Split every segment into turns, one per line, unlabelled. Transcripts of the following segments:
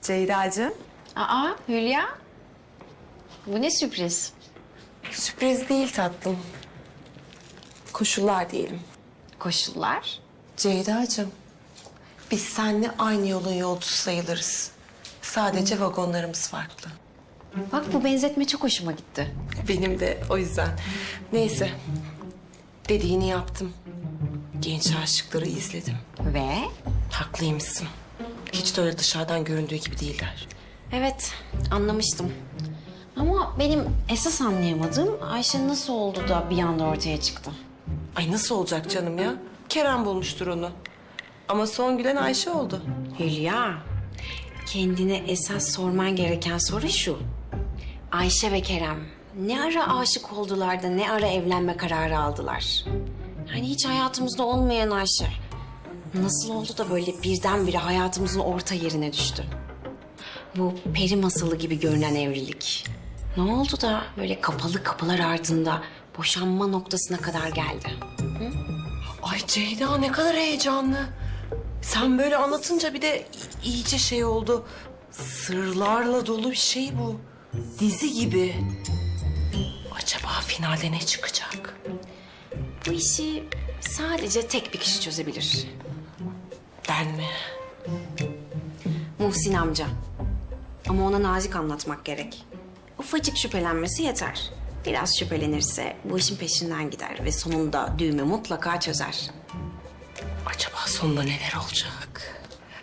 Ceyda'cığım.
Aa Hülya. Bu ne sürpriz?
Sürpriz değil tatlım. Koşullar diyelim.
Koşullar?
Ceyda'cığım, biz seninle aynı yolun yolcusu sayılırız. Sadece vagonlarımız farklı.
Bak bu benzetme çok hoşuma gitti.
Benim de o yüzden. Neyse, dediğini yaptım. Genç aşıkları izledim.
Ve?
Haklıymışsın. Hiç de öyle dışarıdan göründüğü gibi değiller.
Evet anlamıştım. Ama benim esas anlayamadığım Ayşe nasıl oldu da bir anda ortaya çıktı.
Ay nasıl olacak canım ya? Kerem bulmuştur onu. Ama son gülen Ayşe oldu.
Hülya, kendine esas sorman gereken soru şu. Ayşe ve Kerem ne ara aşık oldular da ne ara evlenme kararı aldılar? Hani hiç hayatımızda olmayan Ayşe. Nasıl oldu da böyle birdenbire hayatımızın orta yerine düştü? Bu peri masalı gibi görünen evlilik. Ne oldu da böyle kapalı kapılar ardında boşanma noktasına kadar geldi?
Ay Ceyda ne kadar heyecanlı. Sen böyle anlatınca bir de iyice şey oldu. Sırlarla dolu bir şey bu. Dizi gibi. Acaba finalde ne çıkacak?
Bu işi sadece tek bir kişi çözebilir.
Ben mi?
Muhsin amca. Ama ona nazik anlatmak gerek. Ufacık şüphelenmesi yeter. Biraz şüphelenirse bu işin peşinden gider ve sonunda düğümü mutlaka çözer.
Acaba sonunda neler olacak?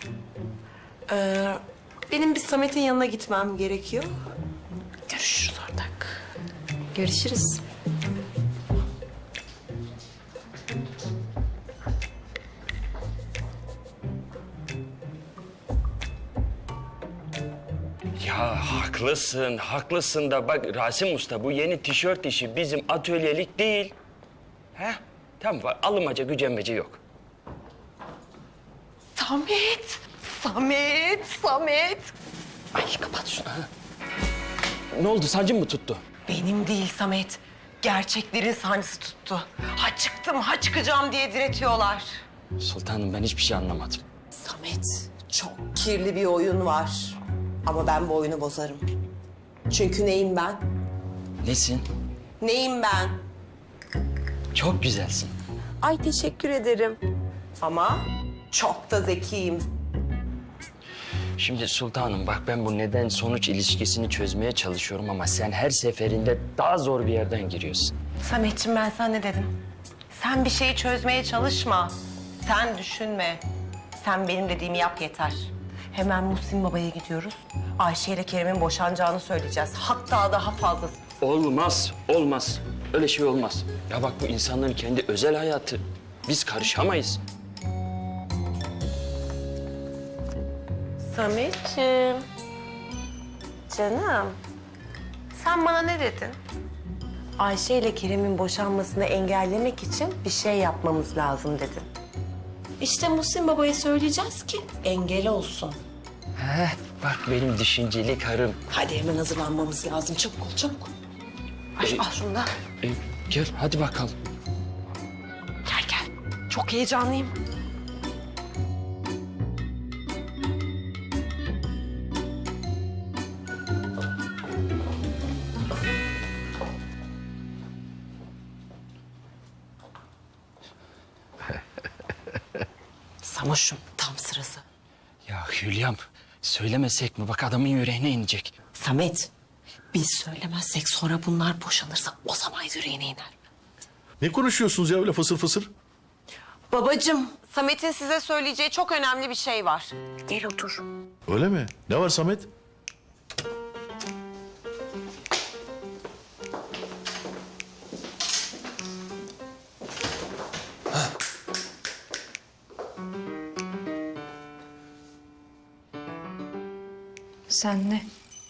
Benim bir Samet'in yanına gitmem gerekiyor. Görüşürüz ortak.
Görüşürüz.
Ya haklısın, haklısın da bak Rasim Usta bu yeni tişört işi bizim atölyelik değil. He? Tamam bak alınmaca gücenmece yok.
Samet! Samet! Samet! Ay kapat şunu.
Ne oldu sancın mı tuttu?
Benim değil Samet. Gerçeklerin sancısı tuttu. Ha çıktım, ha çıkacağım diye diretiyorlar.
Sultanım ben hiçbir şey anlamadım.
Samet, çok kirli bir oyun var. Ama ben bu oyunu bozarım. Çünkü neyim ben?
Nesin?
Neyim ben?
Çok güzelsin.
Ay teşekkür ederim. Ama çok da zekiyim.
Şimdi sultanım bak ben bu neden sonuç ilişkisini çözmeye çalışıyorum ama sen her seferinde daha zor bir yerden giriyorsun.
Sametciğim ben sana ne dedim? Sen bir şeyi çözmeye çalışma. Sen düşünme. Sen benim dediğimi yap yeter. Hemen Muhsin Baba'ya gidiyoruz. Ayşe ile Kerem'in boşanacağını söyleyeceğiz. Hatta daha fazlası.
Olmaz, olmaz. Öyle şey olmaz. Ya bak bu insanların kendi özel hayatı. Biz karışamayız.
Sametciğim. Canım. Sen bana ne dedin? Ayşe ile Kerem'in boşanmasını engellemek için bir şey yapmamız lazım dedin. İşte Muhsin Baba'ya söyleyeceğiz ki engel olsun.
Heh, bak benim düşünceli karım.
Hadi hemen hazırlanmamız lazım. Çabuk ol, çabuk. Al şunu da.
Gel hadi bakalım.
Gel gel. Çok heyecanlıyım. Samoş'um tam sırası.
Ya Hülyam söylemesek mi? Bak adamın yüreğine inecek.
Samet, biz söylemezsek sonra bunlar boşanırsa o zaman yüreğine iner.
Ne konuşuyorsunuz ya öyle fısır fısır?
Babacığım, Samet'in size söyleyeceği çok önemli bir şey var. Gel otur.
Öyle mi? Ne var Samet?
Sen ne?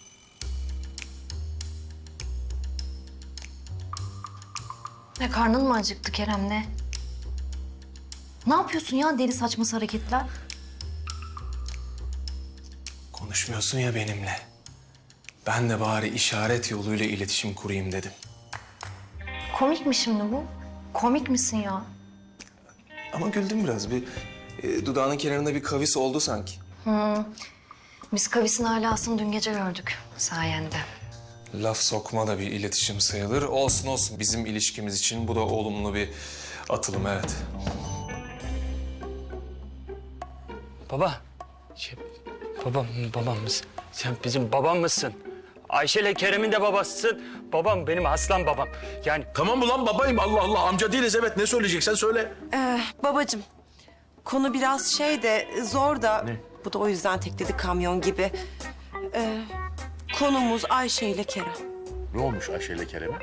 Ne karnın mı acıktı Kerem ne? Ne yapıyorsun ya deli saçması hareketler?
Konuşmuyorsun ya benimle. Ben de bari işaret yoluyla iletişim kurayım dedim.
Komik mi şimdi bu? Komik misin ya?
Ama güldüm biraz. Dudağının kenarında bir kavis oldu sanki.
Biz kavisin alasını dün gece gördük sayende.
Laf sokma da bir iletişim sayılır. Olsun olsun, bizim ilişkimiz için bu da olumlu bir atılım, evet.
Baba. Babam mısın? Sen bizim babam mısın? Ayşe ile Kerem'in de babasısın. Babam benim aslan babam. Yani
Tamam ulan babayım Allah Allah amca değiliz evet ne söyleyeceksen söyle.
Babacığım, konu biraz şey de zor da...
Ne?
Bu da o yüzden tekledi kamyon gibi. Konumuz Ayşe ile Kerem.
Ne olmuş Ayşe ile Kerem'e?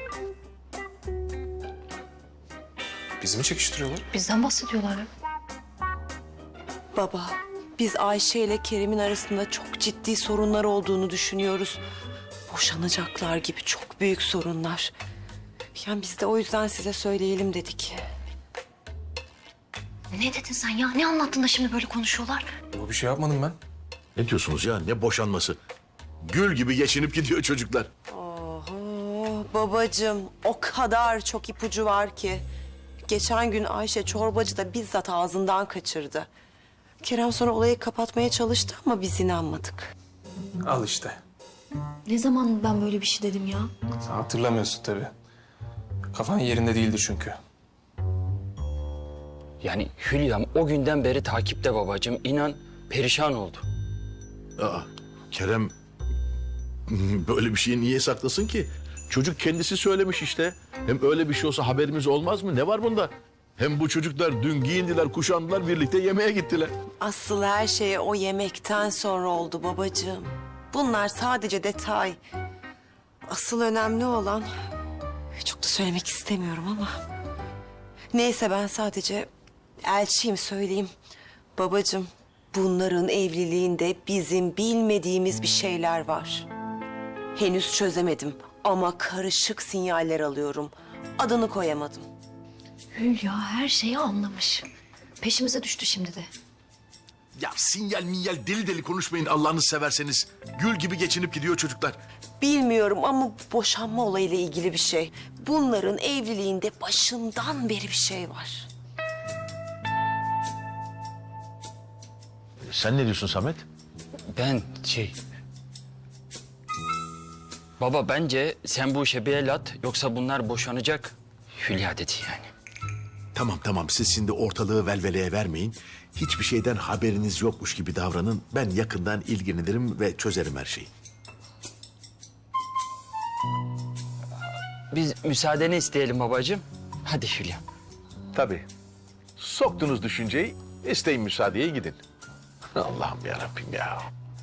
Bizi mi çekiştiriyorlar?
Bizden bahsediyorlar ya.
Baba, biz Ayşe ile Kerem'in arasında çok ciddi sorunlar olduğunu düşünüyoruz. Boşanacaklar gibi çok büyük sorunlar. Yani biz de o yüzden size söyleyelim dedik.
Ne dedin sen ya? Ne anlattın da şimdi böyle konuşuyorlar?
Yok, bir şey yapmadım ben.
Ne diyorsunuz ya ne boşanması? Gül gibi geçinip gidiyor çocuklar.
Oho, babacığım o kadar çok ipucu var ki. Geçen gün Ayşe çorbacı da bizzat ağzından kaçırdı. Kerem sonra olayı kapatmaya çalıştı ama biz inanmadık.
Al işte.
Ne zaman ben böyle bir şey dedim ya?
Sen hatırlamıyorsun tabii. Kafan yerinde değildir çünkü.
Yani Hülya'm o günden beri takipte babacığım. İnan perişan oldu.
Aa, Kerem böyle bir şeyi niye saklasın ki? Çocuk kendisi söylemiş işte. Hem öyle bir şey olsa haberimiz olmaz mı? Ne var bunda? Hem bu çocuklar dün giyindiler, kuşandılar, birlikte yemeğe gittiler.
Asıl her şey o yemekten sonra oldu babacığım. Bunlar sadece detay. Asıl önemli olan... Çok da söylemek istemiyorum ama... Neyse ben sadece elçiyim söyleyeyim. Babacığım bunların evliliğinde bizim bilmediğimiz bir şeyler var. Henüz çözemedim ama karışık sinyaller alıyorum. Adını koyamadım.
Hülya her şeyi anlamış. Peşimize düştü şimdi de.
Ya sinyal minyal deli deli konuşmayın Allah'ınızı severseniz. Gül gibi geçinip gidiyor çocuklar.
Bilmiyorum ama boşanma olayıyla ilgili bir şey. Bunların evliliğinde başından beri bir şey var.
Sen ne diyorsun Samet?
Ben Baba bence sen bu işe bir el at yoksa bunlar boşanacak. Hülya dedi yani.
Tamam siz şimdi ortalığı velveleye vermeyin. Hiçbir şeyden haberiniz yokmuş gibi davranın. Ben yakından ilgilenirim ve çözerim her şeyi.
Biz müsaadeni isteyelim babacığım. Hadi Hülya.
Tabii. Soktunuz düşünceyi, isteyin müsaadeye gidin. Allah'ım yarabbim ya.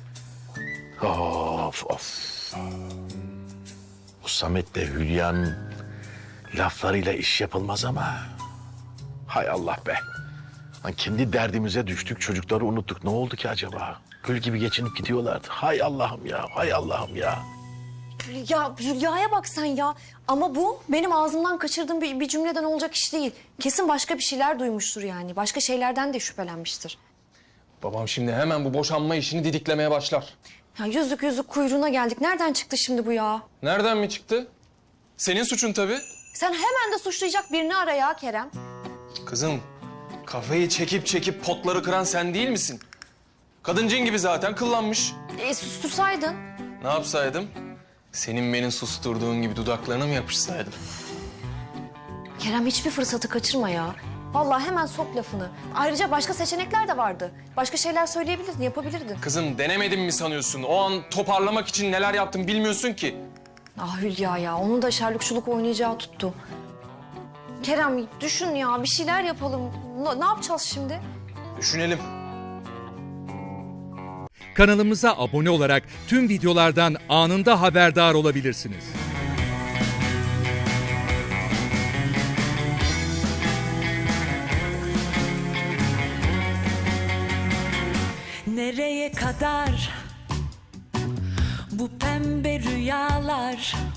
Of. Bu Samet'le Hülya'nın laflarıyla iş yapılmaz ama. Hay Allah be. Lan kendi derdimize düştük, çocukları unuttuk. Ne oldu ki acaba? Gül gibi geçinip gidiyorlardı. Hay Allah'ım ya.
Ya Hülya'ya bak sen ya. Ama bu benim ağzımdan kaçırdığım bir cümleden olacak iş değil. Kesin başka bir şeyler duymuştur yani. Başka şeylerden de şüphelenmiştir.
Babam şimdi hemen bu boşanma işini didiklemeye başlar.
Ya yüzük kuyruğuna geldik. Nereden çıktı şimdi bu ya?
Nereden mi çıktı? Senin suçun tabii.
Sen hemen de suçlayacak birini ara ya Kerem.
Kızım, kafayı çekip potları kıran sen değil misin? Kadıncın gibi zaten kıllanmış.
Sustursaydın.
Ne yapsaydım? Senin beni susturduğun gibi dudaklarına mı yapışsaydım?
Kerem hiçbir fırsatı kaçırma ya. Vallahi hemen sok lafını. Ayrıca başka seçenekler de vardı. Başka şeyler söyleyebilirdin, yapabilirdin.
Kızım denemedim mi sanıyorsun? O an toparlamak için neler yaptım bilmiyorsun ki.
Ah Hülya ya, onun da şerlukçuluk oynayacağı tuttu. Kerem düşün ya, bir şeyler yapalım. Ne yapacağız şimdi?
Düşünelim.
Kanalımıza abone olarak tüm videolardan anında haberdar olabilirsiniz.
Nereye kadar bu pembe rüyalar?